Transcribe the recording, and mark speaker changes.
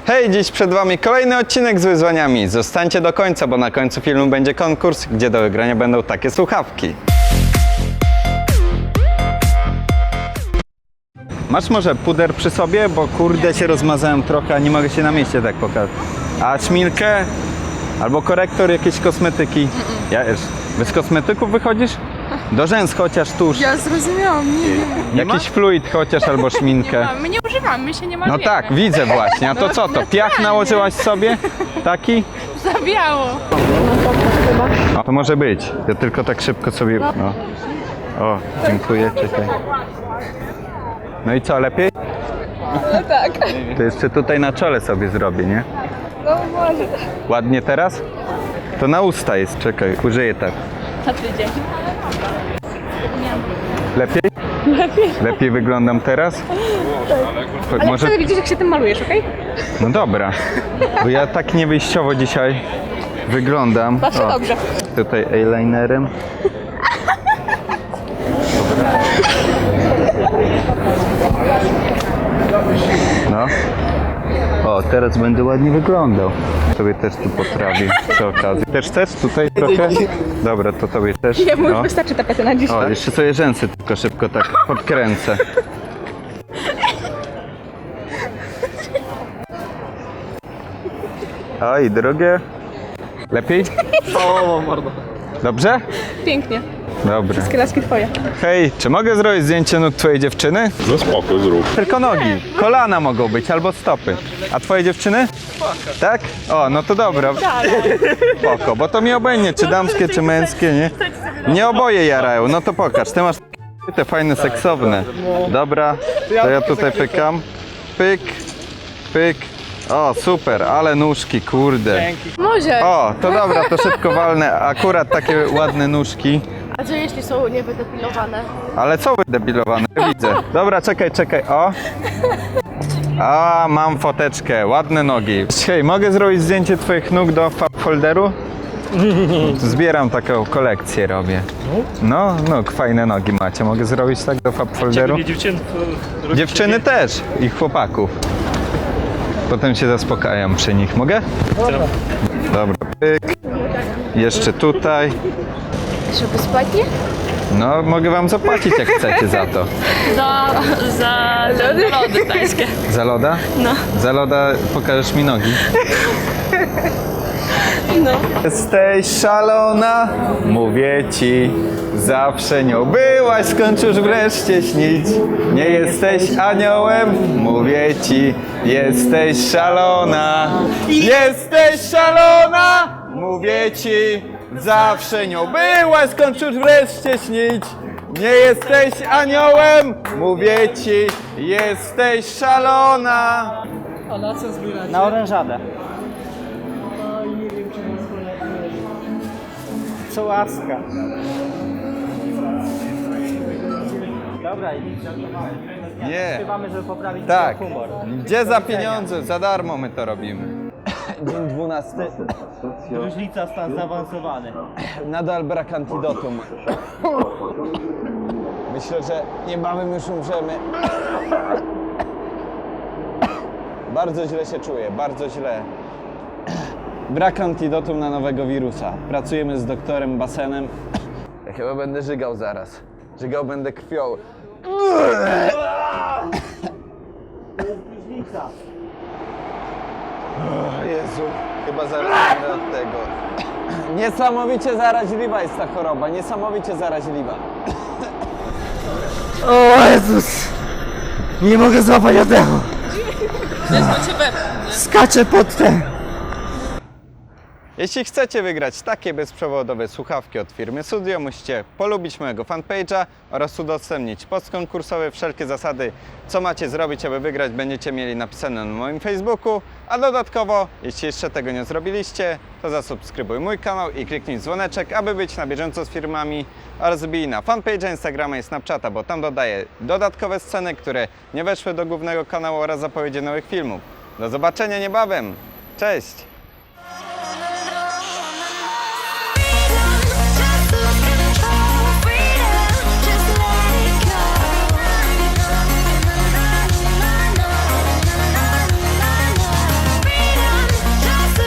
Speaker 1: Hej, dziś przed Wami kolejny odcinek z wyzwaniami. Zostańcie do końca, bo na końcu filmu będzie konkurs, gdzie do wygrania będą takie słuchawki. Masz może puder przy sobie, bo kurde się rozmazałem trochę, a nie mogę się na mieście tak pokazać. A szminkę? Albo korektor, jakieś kosmetyki? Ja już. Bez kosmetyków wychodzisz? Do rzęs chociaż tuż.
Speaker 2: Ja zrozumiałam, nie.
Speaker 1: Jakiś fluid chociaż albo szminkę.
Speaker 2: My nie używamy, my się nie malujemy.
Speaker 1: No tak, widzę właśnie. A to co to? Piach nałożyłaś sobie? Taki?
Speaker 2: Zabiało.
Speaker 1: O, to może być. Ja tylko tak szybko sobie... No. O, dziękuję, czekaj. No i co, lepiej?
Speaker 2: No tak.
Speaker 1: To jeszcze tutaj na czole sobie zrobię, nie?
Speaker 2: No może.
Speaker 1: Ładnie teraz? To na usta jest, czekaj, użyję tak.
Speaker 2: Na tydzień.
Speaker 1: Lepiej? Lepiej wyglądam teraz? Tak.
Speaker 2: Ale chcę widzieć, jak się tym malujesz, okej?
Speaker 1: No dobra, bo ja tak niewyjściowo dzisiaj wyglądam.
Speaker 2: Zawsze dobrze.
Speaker 1: Tutaj eyelinerem. No. O, teraz będę ładnie wyglądał. Tobie też tu poprawię przy okazji. Też chcesz tutaj trochę? Dobra, to tobie też.
Speaker 2: Jemu już
Speaker 1: No.
Speaker 2: wystarczy tapety na dziś.
Speaker 1: O, jeszcze sobie rzęsy tylko szybko tak podkręcę. Oj, drogie. Lepiej?
Speaker 3: O, mordo.
Speaker 1: Dobrze?
Speaker 2: Pięknie.
Speaker 1: Dobra.
Speaker 2: Wszystkie laski twoje.
Speaker 1: Hej, czy mogę zrobić zdjęcie nóg twojej dziewczyny?
Speaker 4: No spoko, zrób.
Speaker 1: Tylko nogi. Kolana mogą być, albo stopy. A twojej dziewczyny? Tak? O, no to dobra. Spoko, bo to mi obojętnie, czy damskie, czy męskie, nie? Nie oboje jarają, no to pokaż. Ty masz te fajne, seksowne. Dobra, to ja tutaj pykam. Pyk, pyk. O, super, ale nóżki, kurde.
Speaker 2: Może.
Speaker 1: O, to dobra, to szybko walnę. Akurat takie ładne nóżki.
Speaker 2: A co jeśli są niewydepilowane?
Speaker 1: Ale co wydebilowane? Widzę. Dobra, czekaj, o. A, mam foteczkę, ładne nogi. Hej, mogę zrobić zdjęcie twoich nóg do folderu? Zbieram taką kolekcję, robię. No, fajne nogi macie. Mogę zrobić tak do folderu? Dziewczyny też i chłopaków. Potem się zaspokajam przy nich. Mogę? Dobra, pyk. Jeszcze tutaj.
Speaker 2: Żeby spać, nie?
Speaker 1: No, mogę wam zapłacić jak chcecie za to.
Speaker 2: Za lody tańskie.
Speaker 1: Za loda?
Speaker 2: No.
Speaker 1: Za loda pokażesz mi nogi?
Speaker 2: No.
Speaker 1: Jesteś szalona, mówię ci, zawsze nią byłaś, skończysz wreszcie śnić. Nie jesteś aniołem, mówię ci, jesteś szalona. Jesteś szalona, mówię ci, zawsze nią byłaś, skończysz wreszcie śnić. Nie jesteś aniołem, mówię ci, jesteś szalona.
Speaker 3: Na orężadę. Co łaska. Dobra, i
Speaker 1: Nie.
Speaker 3: śpiewamy, żeby poprawić
Speaker 1: Tak.
Speaker 3: humor.
Speaker 1: Gdzie za pieniądze? Za darmo my to robimy. Dzień 12.
Speaker 3: Różnica, stan zaawansowany.
Speaker 1: Nadal brak antidotum. Myślę, że niebawem już umrzemy. Bardzo źle się czuję, bardzo źle. Brak antidotum na nowego wirusa. Pracujemy z doktorem Basenem. Ja chyba będę żygał zaraz. Żygał będę krwią.
Speaker 3: Różnica.
Speaker 1: Jezu, chyba zaraz będę od tego. Niesamowicie zaraźliwa jest ta choroba, niesamowicie zaraźliwa.
Speaker 3: O Jezus! Nie mogę złapać oddechu. Skaczę pod ten.
Speaker 1: Jeśli chcecie wygrać takie bezprzewodowe słuchawki od firmy Sudio, musicie polubić mojego fanpage'a oraz udostępnić post konkursowy. Wszelkie zasady, co macie zrobić, aby wygrać, będziecie mieli napisane na moim Facebooku. A dodatkowo, jeśli jeszcze tego nie zrobiliście, to zasubskrybuj mój kanał i kliknij dzwoneczek, aby być na bieżąco z firmami, oraz wbij na fanpage'a, Instagrama i Snapchata, bo tam dodaję dodatkowe sceny, które nie weszły do głównego kanału oraz zapowiedzi nowych filmów. Do zobaczenia niebawem. Cześć!